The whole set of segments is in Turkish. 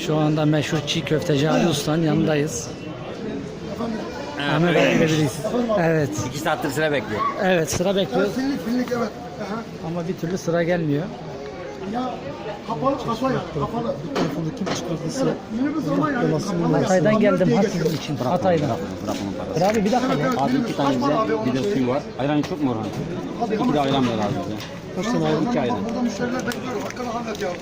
Şu anda meşhur çiğ köfteci Ali Usta'nın yanındayız. Ahmet abi biliriz. Evet. 2 saattir sıra bekliyor. Evet, sıra bekliyoruz Filmlik evet. ama bir türlü sıra gelmiyor. Ya kapalı kasa ya kapalı. Telefonu kim çıkardıysa Minibüs ama yani kapalı. Hatay'dan geldim Diye ha geçiyor. sizin için. Hatay'dan. Bırak onun parası. Dur abi bir dakika ya. Abi 2 tane bize, bir de suyu var. Ayran çok mu Orhan? 2 de ayran ver abi bize. kaç tane aldın? 2 ayran. Burada müşteriler bekliyor. Hakkını hallet ya.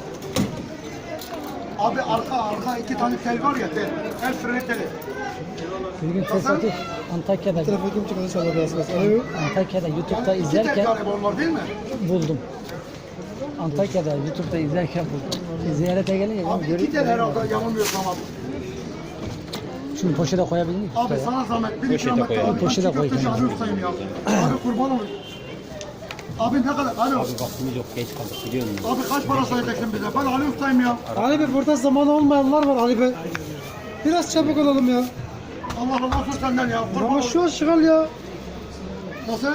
Abi arka 2 tane tel var ya tel. El freni teli. Bir gün tesadüf Antakya'da Telefonu kim çıkardıysa Allah razı olsun. Alo. Antakya'da YouTube'da 2 tel izlerken galiba onlar değil mi? buldum. Antakya'da YouTube'da izlerken buldum. Ziyarete gelince Abi 2 tel herhalde yanılmıyorsam abi. şunu poşete koyabilir miyim? Abi sana zahmet. 1 Poşete kilometre koyalım. abi. Poşete koy Köfteci kenara. abi ustayım ya. Abi kurban olayım. Abi ne kadar? Alo. Vaktimiz yok, geç kaldık biliyor musun? Abi kaç para sayacaksın bize? Ben Ali ustayım ya. Ali Bey burada zamanı olmayanlar var Ali Bey. Biraz çabuk olalım ya. Allah Allah olsun senden ya. Kurban Ama olayım. şu an şıgal ya. Nasıl?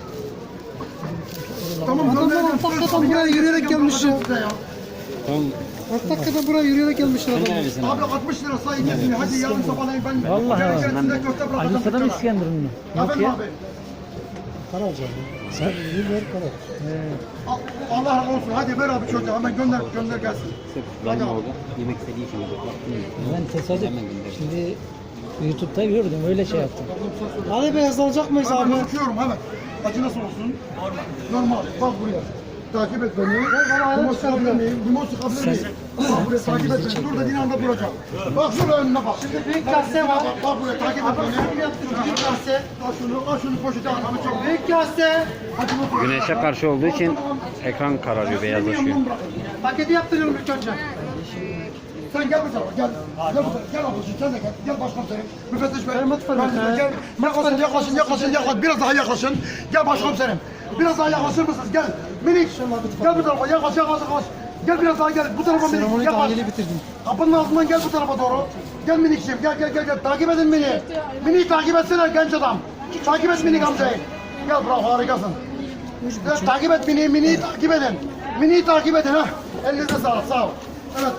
Tamam Adamlar gönderelim. Antakya'dan buraya yürüyerek gelmiş ya. Size ya. Tamam. Antakya'dan buraya yürüyerek gelmişler Sen adamlar. neredesin Abi abi? 60 lira sayı kesmiyor. Hadi yarın sabahleyin ben Vallahi ya. size köfte Ali bırakacağım. Usta'da mı İskenderun mu? Yok Efendim ya. abi. Para alacağım. Sen iyi ver para. Allah razı olsun. Hadi ver abi çocuğa. Hemen gönder gelsin. Sırf benim orada yemek istediği için yok. Vaktim yok. Ben tesadüf Hemen gönderdim. şimdi YouTube'da gördüm öyle şey yaptım. Ali Bey hızlanacak mıyız abi? Ben uçuyorum hemen. Acı nasıl olsun? Normal. Bak buraya. Takip et beni. Limon sıkabilir miyim? Limon sıkabilir miyim? Bak buraya takip et beni. Dur dediğin anda duracağım. Bak şuraya önüne bak. Şimdi Büyük kase var. bak buraya takip et beni. Büyük kase. Al şunu poşete at. Abi çok. Büyük kase. Hadi bu Güneşe karşı olduğu için ekran kararıyor, beyazlaşıyor. Paketi yaptırıyorum ilk önce. Sen gel bu tarafa gel. Gel bu tarafa. Gel ablacığım sen de gel. Gel başkomiserim. Müfettiş bey. Mutfağa Ben de gel. Yaklaşın. Biraz daha yaklaşın. Gel başkomiserim. Biraz daha yaklaşır mısınız? Gel. Minik. Gel bu tarafa. Yaklaş. Gel biraz daha gel. Bu tarafa minik. Seremoni Yaklaş. dahili bitirdim. Kapının ağzından gel bu tarafa doğru. Gel minikciğim. Gel. Takip edin beni. Minik takip etsene genç adam. Takip et minik amcayı. Gel bravo harikasın. Evet, takip et miniyi takip edin. Miniyi takip edin ha. Elinize sağlık sağ ol. Evet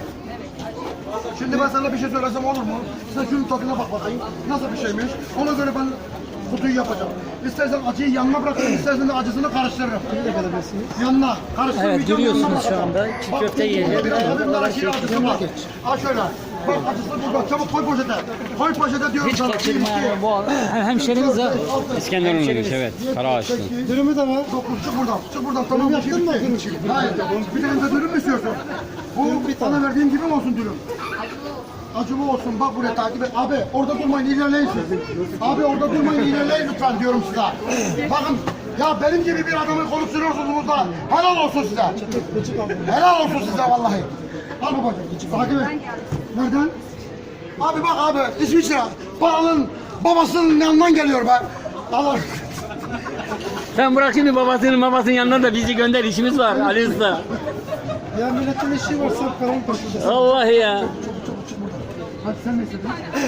şimdi ben sana bir şey söylesem olur mu? Sen şunun tadına bak bakayım. Nasıl bir şeymiş? Ona göre ben kutuyu yapacağım. İstersen acıyı yanına bırakırım, istersen de acısını karıştırırım. Yanına karıştırmayacağım. Evet görüyorsunuz yanına şu bırakırım. anda çiğ Bak, köfte yiyeceğiz. bir nargile acısı var. Al şöyle. Bak acısı burada. Çabuk koy poşete. Koy poşete diyorum Hiç sana. kaçırma yani bu hemşerimiz ha. İskenderun'luymuş evet. Karaağaçlı. Dürümü de var. Çık buradan. Tamam mı? yaptın mı? Hayır. Bir tane de dürüm mü istiyorsun? Bu sana verdiğim gibi mi olsun dürüm? Acılı olsun. Bak buraya takip et. Abi orada durmayın ilerleyin siz. Abi orada durmayın ilerleyin lütfen diyorum size. Bakın ya benim gibi bir adamı konuşturuyorsunuz da helal olsun size. Helal olsun size vallahi. Al babacığım. Takip et. Nereden? Abi bak abi İsviçre. Paranın babasının yanından geliyor be. Allah. Sen bırak şimdi babasının yanına da bizi gönder, işimiz var Ali Usta. Ya milletin işi var sen paranın peşinde. Allah ya. Hadi sen ne istedin?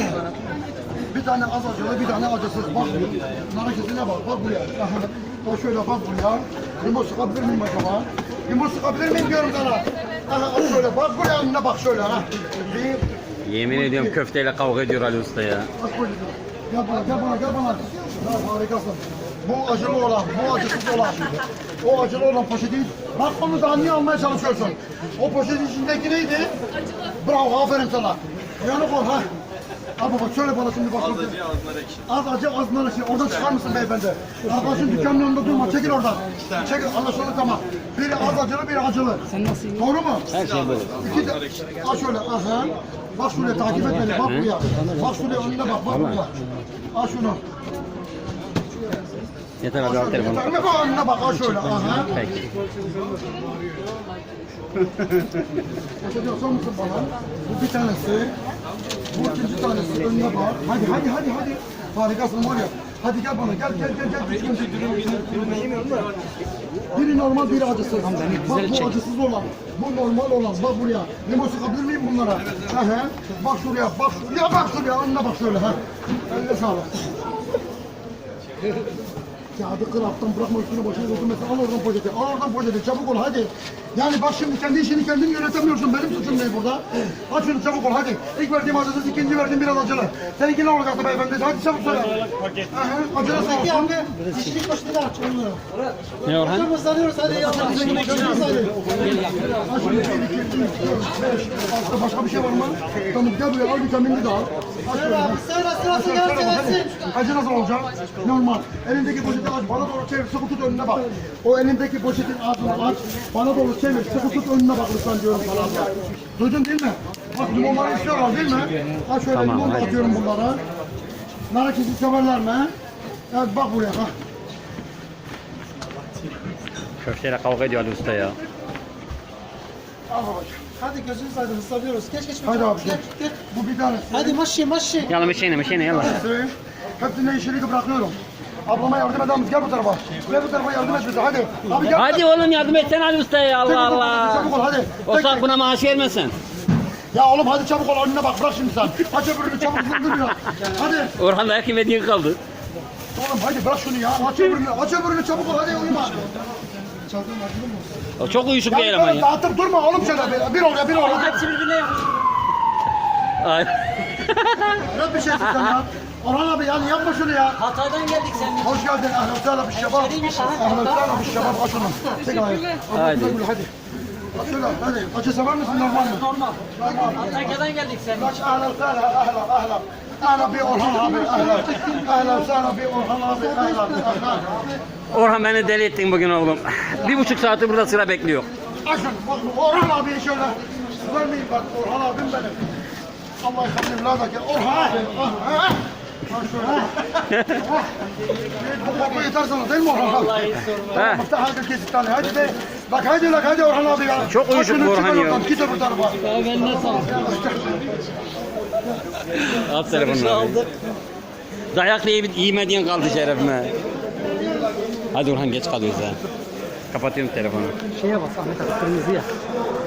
Bir tane az acılı, bir tane acısız. Bak, nar acısına bak buraya. Aha, bak şöyle bak buraya. Limon sıkabilir miyim acaba? Limon sıkabilir miyim diyorum sana. Aha, al şöyle bak buraya önüne bak şöyle ha. Yemin ediyorum köfteyle kavga ediyor Ali Usta ya. Bak böyle. Gel bana. Ya harikasın. Bu acılı olan, bu acısız olan. O acılı olan poşeti. Bak onu daha niye almaya çalışıyorsun? O poşetin içindeki neydi? Acılı. Bravo, aferin sana. Uyanık ol ha. Abi bak şöyle bana şimdi bak. Az acı az nar ekşi. Oradan çıkar mısın beyefendi? Arkadaşın dükkanın önünde durma. Çekil oradan. Çekil. Anlaşıldı tamam. Biri az acılı, biri acılı. Sen nasıl yiyorsun? Doğru mu? Her şey böyle. İki de. Al şöyle. Aha. Bak şuraya takip et beni. Bak buraya. Bak şuraya önüne bak. Bak buraya. Al şunu. Yeter abi al telefonu. Yeter mi bak önüne bak. Al şöyle. Aha. Peki. Bakıyorsan mısın bana? Bu bir tanesi. Bu ikinci tanesi. Önüne bak. Hadi. Harikasın var ya. Hadi gel bana. Gel. Biri normal, biri acısız. Bak bu acısız olan. Bu normal olan. Bak buraya. Limon sıkabilir miyim bunlara? Aha. Bak şuraya. Bak şuraya. Önüne bak şöyle. Ha. Eline sağlık. Kağıdı kır alttan bırakma üstüne başına götürmesin. Al oradan poşeti. Al oradan poşeti. Çabuk ol hadi. Yani bak şimdi kendi işini kendin yönetemiyorsun. Benim suçum ne burada? Aç şunu çabuk ol hadi. İlk verdiğim acısız, ikinci verdiğim biraz acılı. Seninki ne olacaktı beyefendi? Hadi çabuk söyle. Acılı sağ Peki olsun. abi. İşlik başını aç onları. Ne Orhan? Hocam ıslanıyoruz hadi yallah. Başka bir şey var mı? Tamam gel buraya al vitaminini de al. Aç Söyle abi söyle sırası gelsin gelsin. Acı nasıl olacak? Normal. Elindeki poşeti aç, bana doğru çevir, sıkı tut önüne bak. O elindeki poşetin ağzını aç, bana doğru çevir, sıkı tut önüne bak lütfen diyorum sana. Duydun değil mi? Bak limonları istiyorlar değil mi? Aç şöyle Tamam, limon da hadi. atıyorum bunlara. Nar ekşisi severler mi? Evet bak buraya bak. Köfteyle kavga ediyor Ali Usta ya. Al babacığım. Hadi gözünüz aydın ıslanıyoruz. Geç geç. Hadi abi. Geç geç. Bu bir tanesi. Hadi maşi maşi. Yalla meşene yalla. Hepsine işini bırakıyorum. Ablama yardım eder misin? Gel bu tarafa. Gel bu tarafa yardım et bize hadi. Abi gel. Hadi oğlum yardım etsene Ali Usta'ya ya Allah Allah. Çabuk ol hadi. O sak buna maaş vermesin. Ya oğlum hadi çabuk ol önüne bak bırak şimdi sen. Aç öbürünü çabuk zındır biraz. Hadi. Orhan dayak yemediğin kaldı. Oğlum hadi bırak şunu ya. Aç öbürünü çabuk ol hadi uyuma. O çok uyuşuk bir Ya eleman böyle ya. dağıtıp durma oğlum şöyle. Bir oraya bir oraya. Hepsi birbirine yapmış. Ay. Yok bir şey sen ya. Orhan abi yani yapma şunu ya. Hatadan geldik sen. Hoş geldin. Ahlan sahlan bir şebap. Ahlan sahlan bir şebap. Aç onu. Çek ayağı. Hadi. Hadi. Aç şöyle hadi. Acı sever misin normal mi? Normal. Antakya'dan geldik sen. Aç ahlan sahlan ahlan. Ahlan bir Orhan abi ahlan. Ahlan sahlan bir Orhan abi ahlan. Ahlan. Orhan beni deli ettin bugün oğlum. 1,5 saattir burada sıra bekliyor. Açın bak Orhan abi şöyle. Vermeyin bak Orhan abim benim. Allah yıkatayım ladaki Orhan abi. Ha şöyle. Bu koku yeter sana değil mi Orhan abi? He. Bak da hadi kesit tane hadi be. Bak hadi Orhan abi ya. Çok uyuşuk Aç şunu, bu Orhan çıkar ya. oradan, git öbür tarafa. Ben ne sağ At telefonunu. Dayak yemediğin kaldı şerefime. Hadi Orhan geç kalıyoruz ha. Kapatıyorum telefonu. Şeye bak Ahmet abi kırmızıya.